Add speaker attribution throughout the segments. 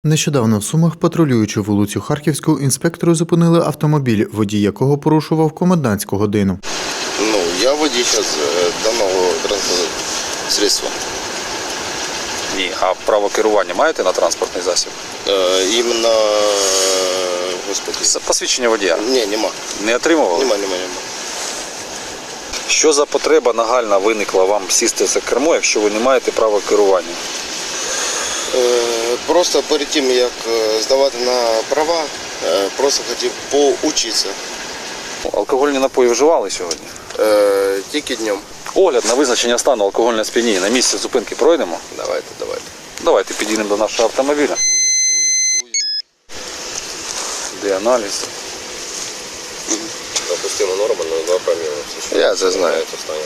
Speaker 1: Нещодавно в Сумах, патрулюючи вулицю Харківську, інспектори зупинили автомобіль, водій якого порушував комендантську годину.
Speaker 2: Я водій зараз даного транспортного средства.
Speaker 3: Ні, а право керування маєте на транспортний засіб?
Speaker 2: Іменно, господи.
Speaker 3: Посвідчення водія?
Speaker 2: Ні, нема.
Speaker 3: Не отримували?
Speaker 2: Нема.
Speaker 3: Що за потреба нагальна виникла вам сісти за кермо, якщо ви не маєте права керування?
Speaker 2: Просто перед тим, як здавати на права, просто хотів поучитися.
Speaker 3: Алкогольні напої вживали сьогодні?
Speaker 2: Тільки днем.
Speaker 3: Огляд на визначення стану алкогольного сп'яніння на місці зупинки пройдемо?
Speaker 2: Давайте.
Speaker 3: Давайте підійдемо до нашого автомобіля. Де аналіз?
Speaker 2: Допустима норма на 2 проміли. Я це знаю.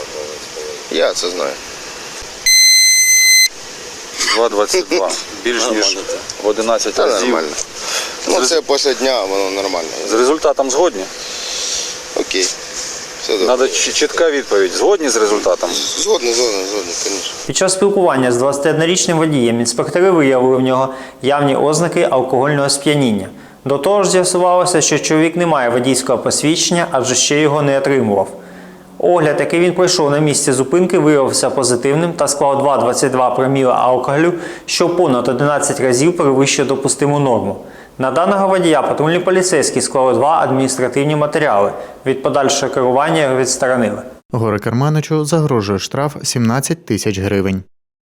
Speaker 3: 2,22. Більш ніж в 11 разів.
Speaker 2: Нормально. Це після дня, воно нормально.
Speaker 3: З результатом згодні?
Speaker 2: Окей. Все добре.
Speaker 3: Треба чітка відповідь. Згодні з результатом?
Speaker 2: Згодний, звісно.
Speaker 4: Під час спілкування з 21-річним водієм інспектори виявили в нього явні ознаки алкогольного сп'яніння. До того ж з'ясувалося, що чоловік не має водійського посвідчення, адже ще його не отримував. Огляд, який він пройшов на місці зупинки, виявився позитивним та склав 2,22 проміла алкоголю, що понад 11 разів перевищує допустиму норму. На даного водія патрульні поліцейські склали 2 адміністративні матеріали. Від подальшого керування його відсторонили.
Speaker 1: Горе-керманичу загрожує штраф 17 тисяч гривень.